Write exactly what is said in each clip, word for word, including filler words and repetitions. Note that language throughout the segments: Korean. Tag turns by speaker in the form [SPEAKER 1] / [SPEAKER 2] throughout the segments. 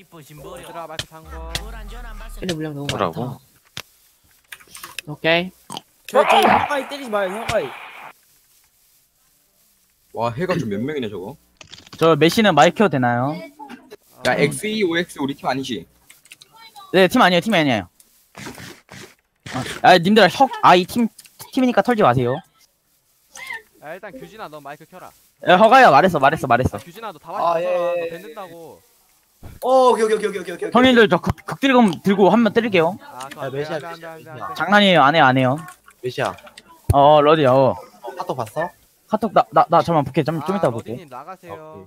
[SPEAKER 1] 얘들아 마이크 잠궈.
[SPEAKER 2] 근데 물량 너무
[SPEAKER 3] 뭐라고?
[SPEAKER 2] 많다. 오케이.
[SPEAKER 4] 저, 저 형아이 때리지 마요, 형아이.
[SPEAKER 5] 와 해가 좀 몇 명이네 저거.
[SPEAKER 6] 저 메시는 마이크 켜도 되나요?
[SPEAKER 5] 야 엑스이오엑스 우리 팀 아니지?
[SPEAKER 6] 네, 팀 아니에요, 팀이 아니에요. 아, 님들 혁, 아, 이 팀, 팀이니까 털지 마세요.
[SPEAKER 1] 야 일단 규진아 너 마이크 켜라.
[SPEAKER 6] 야, 허가야, 말했어, 말했어, 말했어.
[SPEAKER 1] 규진아 너 다
[SPEAKER 4] 아,
[SPEAKER 1] 왔어.
[SPEAKER 4] 예, 예,
[SPEAKER 1] 너
[SPEAKER 4] 예.
[SPEAKER 1] 된다고.
[SPEAKER 4] 어, 오케이, 오케이, 오케이, 오케이, 오케이.
[SPEAKER 6] 형님들 저 극, 극딜검 들고 한 번 때릴게요.
[SPEAKER 1] 아 그거
[SPEAKER 2] 야,
[SPEAKER 1] 안돼
[SPEAKER 2] 메시아,
[SPEAKER 1] 안돼 안돼 안돼 안돼.
[SPEAKER 6] 장난이에요, 안 해요, 안 해요.
[SPEAKER 2] 몇이야?
[SPEAKER 6] 어, 러디야, 어.
[SPEAKER 2] 카톡 봤어?
[SPEAKER 6] 카톡, 나, 나, 나, 잠깐만, 볼게. 좀, 좀 이따 볼게.
[SPEAKER 1] 러디님 나가세요.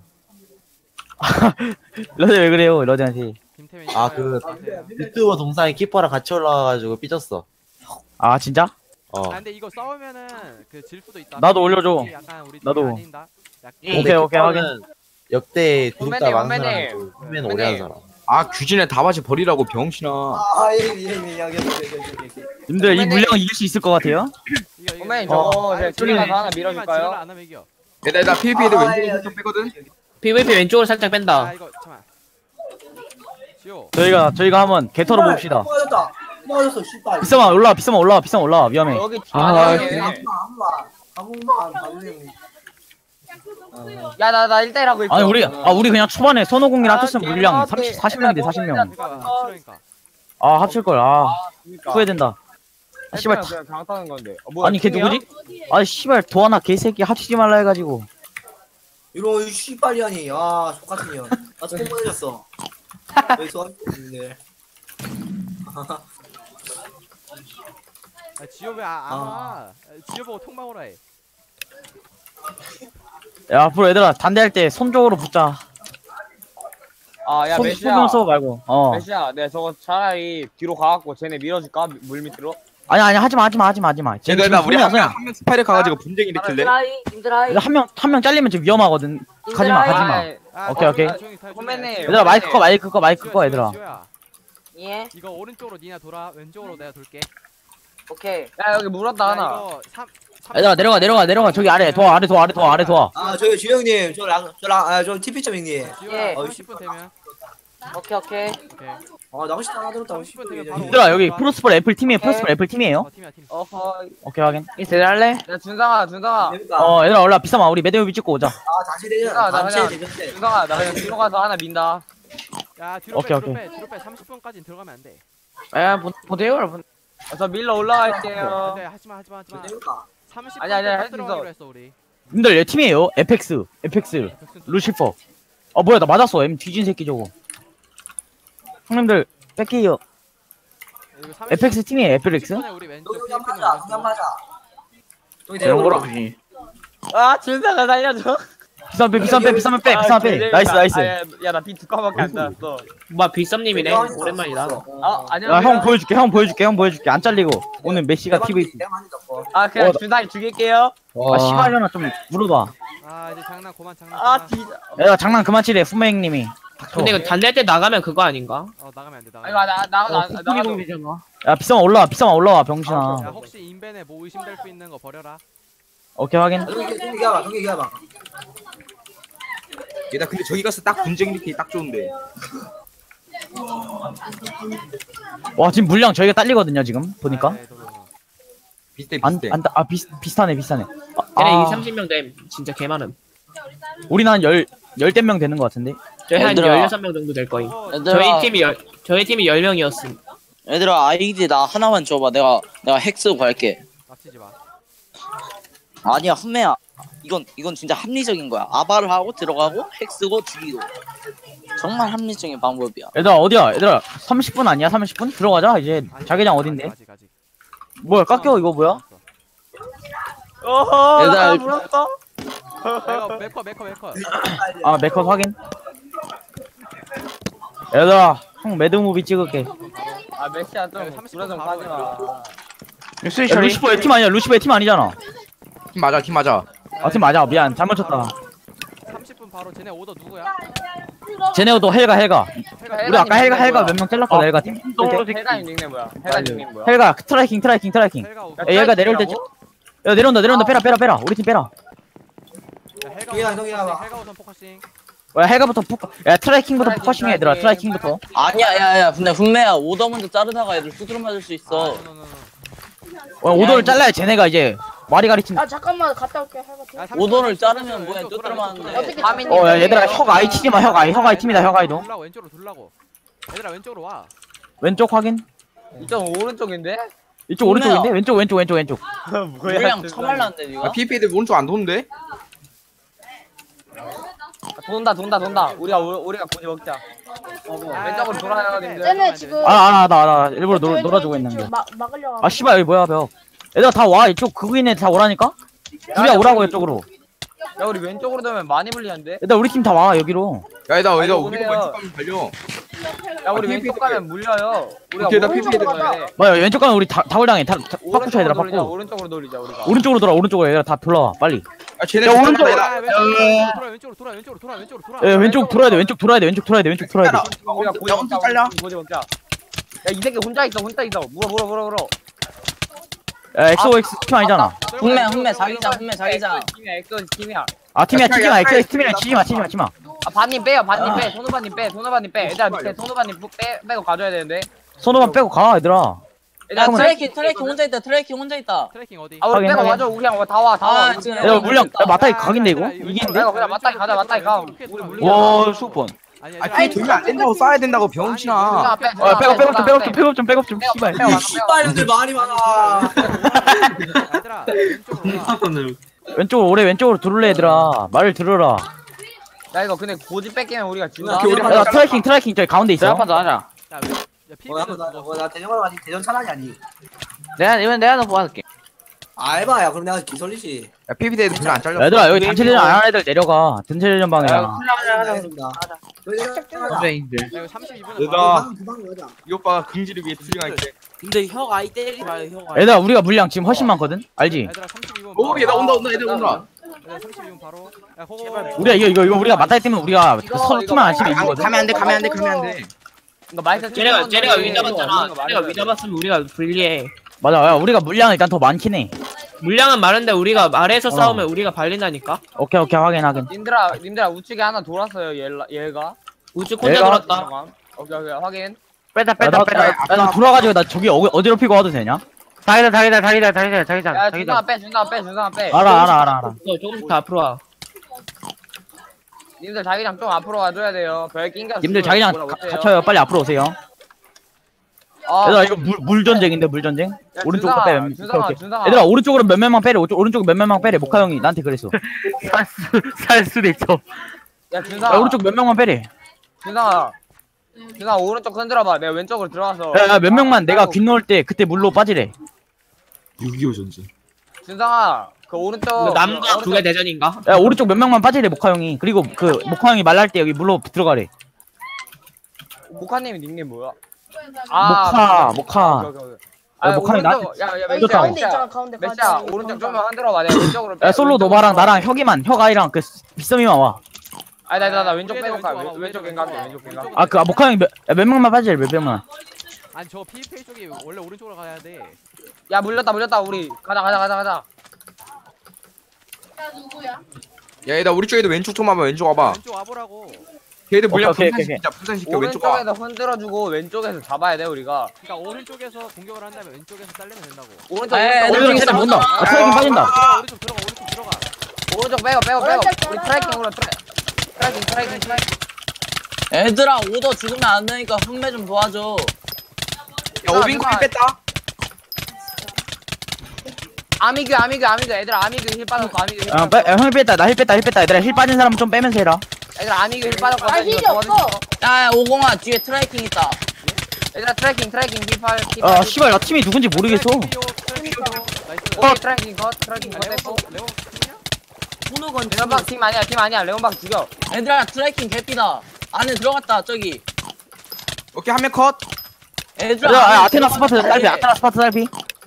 [SPEAKER 6] 러디 왜 그래요, 러디한테.
[SPEAKER 1] 김태민.
[SPEAKER 2] 아, 그-
[SPEAKER 1] 나가세요.
[SPEAKER 2] 유튜버 동상이 키퍼랑 같이 올라와가지고 삐졌어.
[SPEAKER 6] 아, 진짜?
[SPEAKER 2] 어.
[SPEAKER 1] 아 근데 이거 싸우면은 그 질 수도 있다.
[SPEAKER 6] 나도 올려줘.
[SPEAKER 1] 약간 우리 팀이
[SPEAKER 6] 나도.
[SPEAKER 1] 아닌다. 약간
[SPEAKER 6] 오케이, 오케이,
[SPEAKER 2] 키퍼는 역대 구독자
[SPEAKER 3] 선배님,
[SPEAKER 2] 많은
[SPEAKER 3] 선배님.
[SPEAKER 2] 사람, 후면 오래 하는 사람.
[SPEAKER 5] 아 규진의 다바지 버리라고 병신아.
[SPEAKER 4] 아, 예, 예, 예, 예, 예, 예, 예, 예.
[SPEAKER 6] 님들 이 물량 이길 수 있을 것 같아요?
[SPEAKER 1] 이거 이거.
[SPEAKER 3] 선배님
[SPEAKER 6] 어.
[SPEAKER 3] 저거 제가
[SPEAKER 1] 아니,
[SPEAKER 3] 둘이 가서 하나
[SPEAKER 1] 팀만 지랄
[SPEAKER 3] 밀어줄까요?
[SPEAKER 1] 안 하면 이겨.
[SPEAKER 5] 얘들아 나 피비피에도
[SPEAKER 4] 아,
[SPEAKER 5] 왼쪽에
[SPEAKER 4] 예,
[SPEAKER 5] 살짝 빼거든.
[SPEAKER 7] 피브이피 왼쪽으로 살짝 뺀다.
[SPEAKER 1] 아 이거 잠깐. 지호.
[SPEAKER 6] 저희가, 저희가 한번 개털어 봅시다.
[SPEAKER 4] 맞았다. 맞았어, 씨발.
[SPEAKER 6] 비싸만 올라와, 비싸만 올라와, 비싸만 올라와, 위험해.
[SPEAKER 3] 여기
[SPEAKER 6] 아,
[SPEAKER 3] 아,
[SPEAKER 4] 아무만, 아무만, 아무만, 아무만.
[SPEAKER 3] 야나 나 일 대 일 하고 있어.
[SPEAKER 6] 아니, 우리, 아, 우리 그냥 초반에 손오공이랑
[SPEAKER 3] 아,
[SPEAKER 6] 합쳤으면 물량 삼십, 사십 명인데, 사십 명.
[SPEAKER 1] 그러니까 싫으니까.
[SPEAKER 6] 아, 합칠걸, 아.
[SPEAKER 3] 그러니까.
[SPEAKER 6] 후회된다. 아, 씨발, 다-
[SPEAKER 3] 그냥 장타는 건데. 어, 뭐야,
[SPEAKER 6] 아니 걔
[SPEAKER 3] 팀이야?
[SPEAKER 6] 누구지? 아니 씨발 도하나 개새끼 합치지 말라 해가지고.
[SPEAKER 4] 이런 씨발이하니, 아, 똑같은 년. 나 처음 보내줬어. 여기서 있는데.
[SPEAKER 1] 아 지호 왜안 안 와? 지호 보고 통방으로 해.
[SPEAKER 6] 야 앞으로 얘들아 단대할 때 손쪽으로 붙자.
[SPEAKER 3] 아야
[SPEAKER 6] 손
[SPEAKER 3] 메시야.
[SPEAKER 6] 손좀 써 말고. 어.
[SPEAKER 3] 메시야 내가 저거 차라리 뒤로 가갖고 쟤네 밀어줄까? 물 밑으로?
[SPEAKER 6] 아니 아니 하지마 하지마 하지마 하지마.
[SPEAKER 5] 얘들아 우리 한명한명 스파이를 가가지고 분쟁 일으킬래?
[SPEAKER 6] 한명 한 명 잘리면 좀 위험하거든. 가지마 가지마.
[SPEAKER 3] 아이,
[SPEAKER 1] 아,
[SPEAKER 6] 오케이, 오케이.
[SPEAKER 1] 아, 조용히 타, 조용히
[SPEAKER 3] 선배님.
[SPEAKER 1] 타.
[SPEAKER 6] 얘들아 마이크 꺼 마이크 꺼 마이크
[SPEAKER 1] 지호야,
[SPEAKER 6] 꺼
[SPEAKER 1] 지호야,
[SPEAKER 6] 얘들아.
[SPEAKER 1] 지호야.
[SPEAKER 3] 예?
[SPEAKER 1] 이거 오른쪽으로 니나 돌아. 왼쪽으로 내가 돌게.
[SPEAKER 3] 오케이. 야 여기 물었다
[SPEAKER 1] 야,
[SPEAKER 3] 하나.
[SPEAKER 1] 이거 삼- 삼-
[SPEAKER 6] 얘들아 내려가 내려가 내려가 저기 아래 도와 아래 도와 아래 도와 아래 도와.
[SPEAKER 4] 아, 저기 주영님, 저 랑, 저 랑, 아, 저 티피점 형님.
[SPEAKER 1] 지호야
[SPEAKER 3] 예.
[SPEAKER 1] 삼십 분 되면.
[SPEAKER 3] 오케이 오케이.
[SPEAKER 1] 오케이.
[SPEAKER 4] 아, 나가시 다 들었다.
[SPEAKER 1] 삼십 분 되면 바로
[SPEAKER 6] 얘들아 여기 프로스폴 애플 팀이에요 프로스폴 애플 팀이에요.
[SPEAKER 1] 어 팀이야 팀.
[SPEAKER 3] 어허.
[SPEAKER 6] 오케이 확인.
[SPEAKER 7] 이 세대 할래?
[SPEAKER 3] 야 준상아 준상아.
[SPEAKER 4] 그러니까.
[SPEAKER 6] 어 얘들아 올라 비싸마 우리 매대우비 찍고 오자.
[SPEAKER 4] 아, 단체 대전,
[SPEAKER 3] 나, 나
[SPEAKER 4] 단체
[SPEAKER 3] 그냥-
[SPEAKER 4] 대전 때.
[SPEAKER 3] 준상아 나 그냥 뒤로 가서 하나 민다.
[SPEAKER 1] 야 뒤로
[SPEAKER 6] 오케이,
[SPEAKER 1] 빼 뒤로
[SPEAKER 6] 오케이.
[SPEAKER 1] 빼 뒤로 빼. 삼십 분까지는 들어가면 안 돼.
[SPEAKER 7] 야, 보- 보세요, 여러분.
[SPEAKER 3] 어, 저 밀러 올라갈게요.
[SPEAKER 1] 안돼 하지마 하지마 하지마.
[SPEAKER 4] 그러니까.
[SPEAKER 1] 삼십
[SPEAKER 3] 아니, 아니, 할수
[SPEAKER 1] 분 들어가기로
[SPEAKER 3] 있어.
[SPEAKER 1] 했어 우리.
[SPEAKER 6] 님들 얘 팀이에요. 에펙스 에펙스 루시퍼. 아 뭐야 나 맞았어. M 뒤진 새끼 저거. 형님들 뺄게요.
[SPEAKER 1] 이거 삼십
[SPEAKER 6] 에펙스 팀이에요 에펙스.
[SPEAKER 1] 분 우리 왼쪽
[SPEAKER 4] 여기 한
[SPEAKER 1] 필리핀
[SPEAKER 4] 맞아,
[SPEAKER 1] 오른쪽.
[SPEAKER 4] 한 맞아. 여기
[SPEAKER 7] 이런
[SPEAKER 4] 내려오라.
[SPEAKER 7] 거라지.
[SPEAKER 3] 아 준상아 살려줘.
[SPEAKER 6] 비싼 빼 비싼 빼 비싼 빼 비싼 빼. 나이스 나이스.
[SPEAKER 3] 야나 비 두 칸밖에 안 나왔어.
[SPEAKER 7] 뭐, 빅썸님이네. 오랜만이다.
[SPEAKER 3] 아 아니야.
[SPEAKER 6] 야 형 보여줄게 형 보여줄게 형 보여줄게 안 잘리고 오늘 메시가
[SPEAKER 4] 내가
[SPEAKER 6] 티비.
[SPEAKER 4] 많이- 내가 많이 잡고.
[SPEAKER 3] 아 그냥
[SPEAKER 6] 어,
[SPEAKER 3] 준상이 죽일게요.
[SPEAKER 6] 아 씨발려나 좀 물어봐.
[SPEAKER 1] 아 이제 장난 그만 장난.
[SPEAKER 3] 아
[SPEAKER 1] 그만.
[SPEAKER 3] 진짜.
[SPEAKER 6] 야 장난 그만 치래 후메 형님이.
[SPEAKER 7] 근데 이거 단대 때 나가면 그거 아닌가?
[SPEAKER 1] 어 나가면 안 돼.
[SPEAKER 3] 아니
[SPEAKER 1] 나가면 안 돼.
[SPEAKER 3] 나나나
[SPEAKER 7] 어,
[SPEAKER 3] 나
[SPEAKER 7] 국토기
[SPEAKER 3] 나도.
[SPEAKER 7] 공개잖아.
[SPEAKER 6] 야 비싸마 올라와 비싸마 올라와
[SPEAKER 1] 야
[SPEAKER 6] 병신아.
[SPEAKER 1] 혹시 인벤에 뭐 의심될 수 있는 거 버려라.
[SPEAKER 6] 오케이 확인.
[SPEAKER 4] 아, 저기, 저기 얘기해봐, 저기 얘기해봐.
[SPEAKER 5] 얘들아 근데 저기 가서 딱 분쟁 일으키기 딱 좋은데.
[SPEAKER 6] 와 지금 물량 저희가 딸리거든요 지금 보니까.
[SPEAKER 1] 아, 네, 너무, 너무.
[SPEAKER 5] 비슷해 비슷해.
[SPEAKER 6] 안안아 비슷하네 비슷하네.
[SPEAKER 7] 걔네
[SPEAKER 6] 아,
[SPEAKER 7] 이게 삼십 명 됨. 진짜 개 많음.
[SPEAKER 6] 우리는 한열 열댓 명 되는 것 같은데.
[SPEAKER 7] 저희 한
[SPEAKER 2] 얘들아.
[SPEAKER 7] 열여섯 명 정도 될 거임.
[SPEAKER 1] 어,
[SPEAKER 2] 얘들아.
[SPEAKER 7] 저희 팀이 열, 저희 팀이 열 명이었음.
[SPEAKER 2] 얘들아 아이디 나 하나만 줘봐. 내가 내가 핵 쓰고 갈게.
[SPEAKER 1] 납치지 마.
[SPEAKER 2] 아니야 훈매야. 이건 이건 진짜 합리적인 거야. 아바를 하고 들어가고 핵 쓰고 죽이고. 정말 합리적인 방법이야.
[SPEAKER 6] 얘들아 어디야 얘들아 삼십 분 아니야 삼십 분? 들어가자 이제
[SPEAKER 1] 아니,
[SPEAKER 6] 자기장
[SPEAKER 1] 아직,
[SPEAKER 6] 어딘데?
[SPEAKER 1] 아직 아직.
[SPEAKER 6] 뭐야 깎여 이거 뭐야?
[SPEAKER 3] 어허
[SPEAKER 2] 얘들아,
[SPEAKER 3] 나
[SPEAKER 2] 이거-
[SPEAKER 3] 물었어.
[SPEAKER 1] 이거 메커 메커 메커.
[SPEAKER 6] 아 메컷 확인. 얘들아 형 매드무비 찍을게.
[SPEAKER 3] 아 메시아 좀
[SPEAKER 1] 야, 삼십
[SPEAKER 3] 불화 좀
[SPEAKER 1] 분
[SPEAKER 3] 빠지
[SPEAKER 1] 바로
[SPEAKER 3] 마.
[SPEAKER 7] 뉴스
[SPEAKER 6] 야, 루시퍼의 팀 아니야 루시퍼의 팀 아니잖아.
[SPEAKER 5] 팀 맞아 팀 맞아.
[SPEAKER 6] 아 팀 맞아 미안 잘못 쳤다.
[SPEAKER 1] 삼십 분 바로 쟤네 오더 누구야?
[SPEAKER 6] 쟤네도 헬가 헬가.
[SPEAKER 1] 헬가
[SPEAKER 6] 우리 아까 헬가 헬가 몇 명 잘랐거든
[SPEAKER 7] 어.
[SPEAKER 6] 헬가 팀.
[SPEAKER 3] 해가 닉네임 뭐야? 해가 닉네임 뭐야?
[SPEAKER 6] 헬가 트라이킹 트라이킹 트라이킹.
[SPEAKER 1] 헬가 오.
[SPEAKER 3] 야,
[SPEAKER 6] 야, 얘가 내려올 때
[SPEAKER 3] 트라이킹이라고?
[SPEAKER 6] 야 내려온다 내려온다 빼라 빼라 빼라 우리 팀 빼라.
[SPEAKER 1] 야, 헬가
[SPEAKER 4] 동이야,
[SPEAKER 1] 우선
[SPEAKER 4] 동이야,
[SPEAKER 1] 포커싱,
[SPEAKER 4] 봐.
[SPEAKER 1] 헬가 우선 포커싱.
[SPEAKER 6] 야 해가부터 푸. 야 트래킹부터
[SPEAKER 3] 트래킹,
[SPEAKER 6] 포커싱해 얘들아.
[SPEAKER 3] 트래킹.
[SPEAKER 6] 트래킹부터.
[SPEAKER 2] 아니야 야야 근데 훈매야 오더 먼저 자르다가 애들 수두로 맞을 수 있어.
[SPEAKER 1] 아, 노노노노.
[SPEAKER 6] 어, 오더를 잘라야 쟤네가 이제 와리가리 친.
[SPEAKER 8] 아 잠깐만 갔다 올게 해봐.
[SPEAKER 1] 야, 삼
[SPEAKER 2] 오더를
[SPEAKER 1] 초,
[SPEAKER 2] 자르면
[SPEAKER 1] 왼쪽
[SPEAKER 2] 뭐야,
[SPEAKER 1] 돌아,
[SPEAKER 2] 뚜드려
[SPEAKER 1] 왼쪽
[SPEAKER 2] 맞는데.
[SPEAKER 1] 돌아.
[SPEAKER 8] 어떻게
[SPEAKER 3] 밤이
[SPEAKER 6] 어 야 얘들아 혁 아이 치지마 혁 아이 혁 아이 팀이다 혁 아이도.
[SPEAKER 1] 돌라고 왼쪽으로 돌라고. 얘들아 왼쪽으로 와.
[SPEAKER 6] 왼쪽 확인.
[SPEAKER 3] 이쪽 오른쪽인데?
[SPEAKER 6] 이쪽 오른쪽인데 왼쪽 왼쪽 왼쪽 왼쪽.
[SPEAKER 2] 물량 처말랐는데 니가?
[SPEAKER 5] 아 피피들 오른쪽 안 도는데?
[SPEAKER 3] 돈다 돈다 돈다. 우리가 우- 우리가 고지 먹자.
[SPEAKER 1] 아,
[SPEAKER 3] 왼쪽으로 돌아야 되는데.
[SPEAKER 8] 쟤네 지금
[SPEAKER 6] 아나나 나 일부러 놀,
[SPEAKER 8] 왼쪽,
[SPEAKER 6] 놀아주고
[SPEAKER 8] 왼쪽,
[SPEAKER 6] 있는 게.
[SPEAKER 8] 막 막으려고.
[SPEAKER 6] 아 씨발 여기 뭐야 벽. 얘들아 다 와 이쪽 그거 있네 다 오라니까. 우리야 오라고 이쪽으로.
[SPEAKER 3] 야 우리 왼쪽으로 되면 많이 불리한데?
[SPEAKER 6] 얘들아 우리 팀 다 와 여기로.
[SPEAKER 5] 야 얘들아
[SPEAKER 3] 아니,
[SPEAKER 5] 얘들아
[SPEAKER 3] 오세요.
[SPEAKER 5] 우리가 왼쪽 가면 달려.
[SPEAKER 3] 야 우리
[SPEAKER 5] 아,
[SPEAKER 3] 왼쪽
[SPEAKER 5] 피피들.
[SPEAKER 3] 가면 물려요. 우리가
[SPEAKER 5] 오케이, 나
[SPEAKER 3] 오른쪽으로
[SPEAKER 8] 피피들
[SPEAKER 3] 가야
[SPEAKER 8] 가자.
[SPEAKER 3] 돼.
[SPEAKER 6] 뭐야 왼쪽 가면 우리 다 다굴당해. 다 파쿠쳐 얘들아
[SPEAKER 3] 오른쪽으로 돌리자.
[SPEAKER 6] 파쿠.
[SPEAKER 3] 오른쪽으로 돌리자 우리가.
[SPEAKER 6] 오른쪽으로 돌아 오른쪽으로 얘들아 다 돌아와 빨리.
[SPEAKER 5] 아 쟤네
[SPEAKER 6] 야,
[SPEAKER 5] 야
[SPEAKER 6] 오른쪽.
[SPEAKER 5] 오른쪽
[SPEAKER 1] 아, 왼쪽으로 돌아 왼쪽으로 돌아 왼쪽으로 돌아 왼쪽으로 돌아.
[SPEAKER 6] 야 왼쪽 돌아야 돼 왼쪽 돌아야 돼 왼쪽 돌아야 돼 왼쪽 돌아야 돼.
[SPEAKER 3] 우리가 고지
[SPEAKER 5] 야,
[SPEAKER 3] 먹자.
[SPEAKER 5] 엄청 빨라.
[SPEAKER 3] 우리 고지 먹자. 야 이 새끼 혼자 있어 혼자 있어. 물어 물어 물어 물어.
[SPEAKER 6] 야 엑소엑스 팀 아니잖아.
[SPEAKER 2] 훈매 훈매 자기장 훈매 자기장.
[SPEAKER 3] 팀이야 엑소 팀이야.
[SPEAKER 6] 아 팀이야
[SPEAKER 5] 야,
[SPEAKER 6] 치지마
[SPEAKER 5] 야,
[SPEAKER 6] 엑소엑스
[SPEAKER 5] 야,
[SPEAKER 6] 팀이랑
[SPEAKER 5] 야,
[SPEAKER 6] 치지마 치지마 치지마.
[SPEAKER 3] 아 반님 빼요 반님
[SPEAKER 6] 아.
[SPEAKER 3] 빼. 손오바님 빼 손오바님 빼. 얘들아 밑에 손오바님 빼 빼고 가져야 되는데.
[SPEAKER 6] 손오만 빼고 가 얘들아.
[SPEAKER 2] 야
[SPEAKER 3] 얘들아
[SPEAKER 2] 트래킹 트래킹 혼자 있다 트래킹 혼자 있다.
[SPEAKER 1] 트래킹 어디?
[SPEAKER 3] 아 우리
[SPEAKER 6] 확인,
[SPEAKER 3] 빼고
[SPEAKER 6] 확인.
[SPEAKER 3] 가져. 우리 그냥 다와 다와.
[SPEAKER 2] 아, 지금
[SPEAKER 6] 야 물량 야 맞다이
[SPEAKER 1] 아,
[SPEAKER 6] 각인데 이거?
[SPEAKER 1] 얘들아,
[SPEAKER 6] 이기는데?
[SPEAKER 3] 야, 그냥 맞다이 가자, 맞다이 가. 우리 물리자.
[SPEAKER 6] 와 수번.
[SPEAKER 1] 아니
[SPEAKER 5] 아 피 돌면 안 된다고 쏴야 된다고 병신아.
[SPEAKER 6] 아 백업 백업 좀 백업 좀 백업 좀 백업 좀 씨발.
[SPEAKER 4] 이 씨발년들 말이 많아.
[SPEAKER 1] 얘들아 왼쪽으로 와.
[SPEAKER 6] 왼쪽으로 오래 왼쪽으로 들을래 얘들아. 말을 들어라.
[SPEAKER 3] 야 이거 근데 고지 뺏기면 우리가 지나.
[SPEAKER 5] 오케이, 우리
[SPEAKER 6] 야 트래킹 트래킹 저기 가운데 있어.
[SPEAKER 3] 하자.
[SPEAKER 1] 야, 왼- 야
[SPEAKER 4] 어,
[SPEAKER 1] 피비는
[SPEAKER 4] 나,
[SPEAKER 1] 죽었어.
[SPEAKER 4] 나, 나 대전하러 가지 대전 차라리 아니.
[SPEAKER 3] 내가 이번 내가 너 도와줄게.
[SPEAKER 4] 아 에바야 그럼 내가 기설리지.
[SPEAKER 5] 야 피피들 별로 안 잘렸어.
[SPEAKER 6] 얘들아 여기 단체전 안 하는 애들 내려가. 단체전 방이야.
[SPEAKER 4] 알겠습니다.
[SPEAKER 5] 선생님들.
[SPEAKER 1] 야, 이거 삼십이 분에
[SPEAKER 5] 얘들아
[SPEAKER 4] 두방 가자.
[SPEAKER 5] 이 오빠가 긍지를 위해 투쟁할게.
[SPEAKER 9] 근데 형 아이 때리지 마요 형 아이.
[SPEAKER 6] 얘들아 우리가 물량 지금 훨씬 많거든. 알지?
[SPEAKER 1] 얘들아 삼십이 분.
[SPEAKER 5] 오 얘들 온다 온다 얘들 온다.
[SPEAKER 1] 얘들아 삼십이 분 바로. 야 그거.
[SPEAKER 6] 우리가 이거 이거 이거 우리가 맞다이 때문에 우리가 그
[SPEAKER 3] 이거,
[SPEAKER 6] 서로
[SPEAKER 3] 이거
[SPEAKER 6] 팀을 안 치면
[SPEAKER 5] 가-
[SPEAKER 6] 이기거든.
[SPEAKER 5] 가면 안 돼 가면 안 돼 가면 안 돼.
[SPEAKER 3] 이거 마이크
[SPEAKER 7] 쟤네가 쟤네가 위 잡았잖아.
[SPEAKER 3] 이거
[SPEAKER 7] 쟤네가 위
[SPEAKER 3] 말해줘야
[SPEAKER 7] 잡았으면 우리가 불리해.
[SPEAKER 6] 맞아. 야 우리가 물량 일단 더 많긴 해.
[SPEAKER 7] 물량은 많은데 우리가 아래에서
[SPEAKER 6] 어.
[SPEAKER 7] 싸우면 우리가 발린다니까.
[SPEAKER 6] 오케이 오케이 확인 확인.
[SPEAKER 3] 님들아 님들아 우측에 하나 돌았어요 얘 얘가.
[SPEAKER 7] 우측 혼자
[SPEAKER 6] 내가-
[SPEAKER 7] 돌았다.
[SPEAKER 3] 잠깐만. 오케이 오케이 확인.
[SPEAKER 7] 빼다
[SPEAKER 6] 야, 나, 야, 야, 나 돌아가지고 나 저기 어, 어디로 피고 와도 되냐?
[SPEAKER 7] 자기다 자기다 자기다 자기다 자기다
[SPEAKER 3] 야 준상아 빼 준상아 빼 준상아 빼.
[SPEAKER 6] 알아 알아 알아 알아.
[SPEAKER 7] 어, 조금씩 더 앞으로 와.
[SPEAKER 3] 님들 자기장 좀 앞으로 와줘야 돼요. 별 낑겨.
[SPEAKER 6] 님들 자기장 가- 갇혀요. 빨리 앞으로 오세요.
[SPEAKER 3] 아,
[SPEAKER 6] 얘들아 이거 물, 물 전쟁인데 물 전쟁.
[SPEAKER 3] 야,
[SPEAKER 6] 오른쪽으로
[SPEAKER 3] 준상아,
[SPEAKER 6] 빼. 오케이,
[SPEAKER 3] 준상아,
[SPEAKER 6] 오케이.
[SPEAKER 3] 준상아.
[SPEAKER 6] 얘들아 오른쪽으로 몇 명만 빼래. 오쪽 오른쪽 몇 명만 빼래. 모카 형이 나한테 그랬어. 살 수도 있어.
[SPEAKER 3] 야 준상아.
[SPEAKER 6] 야 오른쪽 몇 명만 빼래.
[SPEAKER 3] 준상아. 준상아 오른쪽 흔들어봐. 내가 왼쪽으로 들어가서.
[SPEAKER 6] 야, 야 몇 명만 내가 귀 넣을 때 그때 물로 빠지래.
[SPEAKER 5] 육이오 전쟁.
[SPEAKER 3] 준상아 그 오른쪽.
[SPEAKER 7] 이거 남과
[SPEAKER 3] 오른쪽-
[SPEAKER 7] 두개 대전인가?
[SPEAKER 6] 야 오른쪽 몇 명만 빠지래 모카 형이. 그리고 그 모카 형이 말랄 때 여기 물로 들어가래.
[SPEAKER 3] 모카님 닉네임 뭐야?
[SPEAKER 6] 모카 모카.
[SPEAKER 3] 오케이, 오케이, 오케이.
[SPEAKER 6] 야,
[SPEAKER 3] 아,
[SPEAKER 6] 모카이
[SPEAKER 3] 오른쪽, 야, 야,
[SPEAKER 8] 여기
[SPEAKER 3] 몇 시야,
[SPEAKER 8] 가운데
[SPEAKER 3] 몇 시야?
[SPEAKER 8] 있잖아 가운데.
[SPEAKER 3] 몇
[SPEAKER 8] 가운데.
[SPEAKER 3] 시야? 오른쪽 좀만 흔들어봐. 내가 왼쪽으로 빼.
[SPEAKER 6] 야 솔로
[SPEAKER 3] 왼쪽으로
[SPEAKER 6] 노바랑
[SPEAKER 3] 빼.
[SPEAKER 6] 나랑 혁이만 혁 아이랑 그 빗썸이만 와.
[SPEAKER 3] 아니 나 나 나 왼쪽
[SPEAKER 1] 우리
[SPEAKER 3] 빼고
[SPEAKER 1] 애들
[SPEAKER 3] 가.
[SPEAKER 1] 왼쪽 와봐,
[SPEAKER 3] 왼- 왼쪽
[SPEAKER 1] 우리 애들
[SPEAKER 3] 갱가.
[SPEAKER 1] 왼쪽
[SPEAKER 3] 왼쪽
[SPEAKER 1] 와봐.
[SPEAKER 3] 갱가.
[SPEAKER 6] 아 그 아, 모카 형이 몇, 야, 몇 명만 빠지래 몇 명만.
[SPEAKER 1] 아니 저 피피엘 쪽이 원래 오른쪽으로 가야 돼.
[SPEAKER 3] 야 물렸다 물렸다 우리. 가자 가자 가자 가자.
[SPEAKER 5] 야 얘들 우리 쪽에도 왼쪽 좀 와봐 왼쪽 와봐.
[SPEAKER 1] 왼쪽 와보라고.
[SPEAKER 5] 걔들 물량
[SPEAKER 6] 오케이, 오케이,
[SPEAKER 5] 분산시키자 분산시켜 왼쪽 와.
[SPEAKER 3] 오른쪽에서 흔들어주고 왼쪽에서 잡아야 돼 우리가.
[SPEAKER 1] 그러니까 오른쪽에서 공격을 한 다음에 왼쪽에서 잘리면 된다고.
[SPEAKER 3] 오른쪽
[SPEAKER 2] 에이,
[SPEAKER 3] 오른쪽
[SPEAKER 6] 오른쪽
[SPEAKER 2] 오른쪽
[SPEAKER 6] 쟤네 못나. 아 트래킹 빠진다.
[SPEAKER 1] 들어가 오른쪽 들어가 오른쪽 들어가.
[SPEAKER 3] 오른쪽 빼고 빼고 빼고.
[SPEAKER 8] 오른쪽
[SPEAKER 3] 우리
[SPEAKER 8] 잘라.
[SPEAKER 3] 트래킹으로 트래. 트래킹 트래킹 트래킹.
[SPEAKER 2] 얘들아 오더 죽으면 안 되니까 훈매 좀 도와줘.
[SPEAKER 5] 야 오빈쿨 뺐다.
[SPEAKER 3] 아미규 아미규 아미규 애들 아미규 힐 빠졌고 아미규 힐
[SPEAKER 6] 아,
[SPEAKER 3] 빠졌고.
[SPEAKER 6] 빼, 야, 형이 뺐다. 나 힐 뺐다. 힐 뺐다. 얘들아 힐 빠진 사람 좀 빼면서 해라.
[SPEAKER 3] 애들 아미규 힐 빠졌고.
[SPEAKER 8] 아, 힐이 없어.
[SPEAKER 2] 야야 오공아 뒤에 트래킹 있다.
[SPEAKER 3] 얘들아 트래킹 트래킹 힐팔 힐.
[SPEAKER 6] 아 씨발 나 팀이 누군지 모르겠어.
[SPEAKER 1] 나이스.
[SPEAKER 3] 어 트래킹 컷 트래킹
[SPEAKER 1] 아,
[SPEAKER 3] 컷
[SPEAKER 1] 레몬
[SPEAKER 3] 됐고.
[SPEAKER 1] 레몬 팀이야?
[SPEAKER 9] 훈우건
[SPEAKER 3] 레몬박 팀 아니야 팀 아니야 레몬박 죽여.
[SPEAKER 2] 얘들아 트래킹 개피다. 안에 들어갔다 저기.
[SPEAKER 5] 오케이 한 명 컷.
[SPEAKER 2] 얘들아
[SPEAKER 6] 야, 야
[SPEAKER 2] 안에
[SPEAKER 6] 아테나
[SPEAKER 2] 들어갔다,
[SPEAKER 6] 스파트 딸피.
[SPEAKER 2] 얘.
[SPEAKER 6] 아테나 스파트 딸피.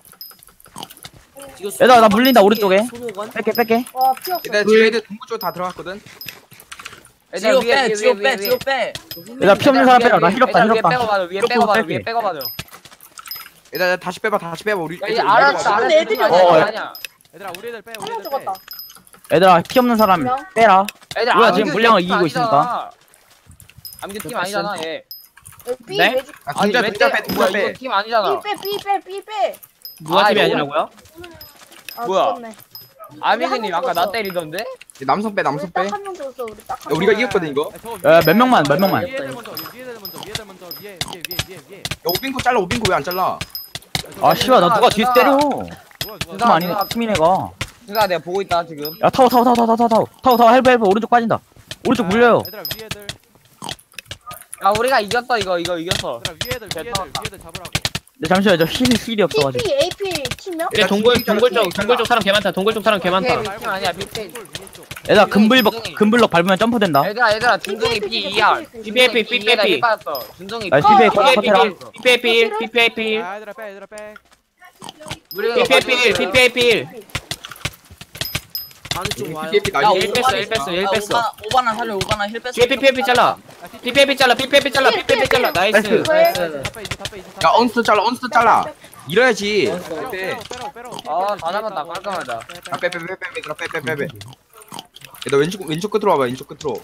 [SPEAKER 9] 이거
[SPEAKER 6] 얘들아 나 물린다 오른쪽에.
[SPEAKER 9] 훈우건
[SPEAKER 6] 뺄게 뺄게.
[SPEAKER 8] 와 피었어.
[SPEAKER 5] 얘들 지금 애들 동부 쪽다 들어갔거든.
[SPEAKER 3] 얘들아
[SPEAKER 2] 지호
[SPEAKER 3] 위에
[SPEAKER 2] 빼
[SPEAKER 3] 위에
[SPEAKER 2] 지호
[SPEAKER 3] 위에
[SPEAKER 2] 빼
[SPEAKER 3] 위에.
[SPEAKER 2] 지호 빼.
[SPEAKER 6] 얘들아 피 없는 사람 빼라. 나 힐 없다 힐
[SPEAKER 3] 위에
[SPEAKER 6] 없다.
[SPEAKER 3] 빼고 봐줘 위에
[SPEAKER 6] 힐
[SPEAKER 3] 빼고
[SPEAKER 6] 없다,
[SPEAKER 3] 봐줘
[SPEAKER 6] 뺄게.
[SPEAKER 3] 위에 빼고 봐줘.
[SPEAKER 5] 얘들 다시 빼봐 다시 빼봐 우리.
[SPEAKER 3] 야, 이
[SPEAKER 5] 애들
[SPEAKER 3] 알았어
[SPEAKER 5] 왼쪽 와봐.
[SPEAKER 3] 알았어
[SPEAKER 8] 근데 애들이
[SPEAKER 3] 아니야,
[SPEAKER 6] 없어.
[SPEAKER 3] 아니야.
[SPEAKER 1] 얘들아 우리 애들 빼 우리
[SPEAKER 8] 하나
[SPEAKER 1] 애들 빼.
[SPEAKER 8] 죽었다.
[SPEAKER 6] 얘들아 피 없는 사람
[SPEAKER 8] 명?
[SPEAKER 6] 빼라.
[SPEAKER 3] 애들
[SPEAKER 6] 우리가
[SPEAKER 3] 암규
[SPEAKER 6] 지금 물량을
[SPEAKER 3] 팀
[SPEAKER 6] 이기고
[SPEAKER 3] 아니잖아. 암규 팀 아니잖아 얘.
[SPEAKER 8] B
[SPEAKER 7] 네?
[SPEAKER 8] 매주
[SPEAKER 5] 아
[SPEAKER 3] 아니
[SPEAKER 5] 동자
[SPEAKER 3] 왜
[SPEAKER 5] 동자
[SPEAKER 3] 빼?
[SPEAKER 5] 빼
[SPEAKER 3] 뭐야
[SPEAKER 5] 동자
[SPEAKER 3] 이거
[SPEAKER 5] 빼.
[SPEAKER 3] 팀 아니잖아.
[SPEAKER 8] B 빼 B 빼 B 빼.
[SPEAKER 7] 누가
[SPEAKER 3] 아,
[SPEAKER 7] 팀이
[SPEAKER 3] 이거-
[SPEAKER 7] 아니라고요?
[SPEAKER 8] 아
[SPEAKER 3] 뭐야?
[SPEAKER 8] 죽었네.
[SPEAKER 3] 아미근님 아까 나
[SPEAKER 8] 죽었어.
[SPEAKER 3] 때리던데?
[SPEAKER 5] 남성 빼
[SPEAKER 8] 우리
[SPEAKER 5] 남성 빼. 야,
[SPEAKER 8] 딱한 명 줬어. 우리 딱한
[SPEAKER 5] 우리가
[SPEAKER 8] 명.
[SPEAKER 5] 이겼거든 이거.
[SPEAKER 1] 야, 저거
[SPEAKER 6] 야,
[SPEAKER 1] 위에-
[SPEAKER 6] 몇 명만, 몇 명만.
[SPEAKER 1] 위에들 먼저 위에들 먼저 위에들 먼저 위에 위에 위에 위에 위에.
[SPEAKER 5] 야 오빙고 잘라 오빙고 왜 안 잘라?
[SPEAKER 6] 아 씨발 나 누가 뒤에서 때려.
[SPEAKER 1] 누가 누가
[SPEAKER 6] 팀
[SPEAKER 3] 누가-
[SPEAKER 6] 아니네 팀이네가.
[SPEAKER 3] 그니까 내가 보고 있다 지금.
[SPEAKER 6] 야 타워 타워 타워 타워 타워 타워 타워 타워 헬프 헬프 오른쪽 빠진다. 오른쪽 물려요.
[SPEAKER 1] 얘들아 위에들
[SPEAKER 3] 야 우리가 이겼어 이거 이거 이겼어.
[SPEAKER 1] 얘들아 위에들 위에들
[SPEAKER 3] 됐다.
[SPEAKER 1] 위에들 잡으라고.
[SPEAKER 6] 근데 잠시만요 저 힐 힐이 없어가지고.
[SPEAKER 8] P P A P 팀명?
[SPEAKER 7] 근데 동굴 동굴 쪽 동굴 쪽 사람 개 많다. 동굴 쪽 사람 개 많다.
[SPEAKER 3] 오케이. 팀 아니야, 빅뱅.
[SPEAKER 1] 동굴 위에 쪽.
[SPEAKER 6] 얘들아 금블럭 금블럭 밟으면 점프된다.
[SPEAKER 3] 얘들아 얘들아 준동이
[SPEAKER 8] 삐,
[SPEAKER 3] P
[SPEAKER 8] 삐,
[SPEAKER 3] 이야.
[SPEAKER 8] 삐, 삐, 삐,
[SPEAKER 7] 삐, 삐, 삐, 삐, 삐.
[SPEAKER 3] 빠졌어. 준동이
[SPEAKER 6] 아,
[SPEAKER 3] P.
[SPEAKER 6] 피피에
[SPEAKER 8] 어,
[SPEAKER 6] 커트라.
[SPEAKER 7] 피피에이필 피피에이필
[SPEAKER 1] 아 얘들아 빼 얘들아 빼.
[SPEAKER 3] 우리가
[SPEAKER 7] 피피에이필 피피에이필
[SPEAKER 9] 아니 좀 와요.
[SPEAKER 5] 피피에피
[SPEAKER 2] 야
[SPEAKER 5] 나이.
[SPEAKER 7] 일 뺐어, 일 뺐어, 일 뺐어.
[SPEAKER 2] 오바나 살려 오바나 힐 뺐어.
[SPEAKER 7] 뒤에 피피에이필 잘라 피피에이필 잘라 피피에이필 잘라 피피에이필 잘라 나이스
[SPEAKER 6] 나이스.
[SPEAKER 8] 왜?
[SPEAKER 1] 다빼 이제 다빼 이제
[SPEAKER 5] 야 언스터 잘라 언스터 잘라. 이래야지.
[SPEAKER 1] 빼라고
[SPEAKER 5] 빼.
[SPEAKER 1] 빼라고 빼라고.
[SPEAKER 3] 아, 다 잡았다. 깔끔하다.
[SPEAKER 5] 빼빼빼빼빼 얘들아 빼빼빼빼. 얘너 왼쪽 왼쪽 끝으로 와봐 왼쪽 끝으로.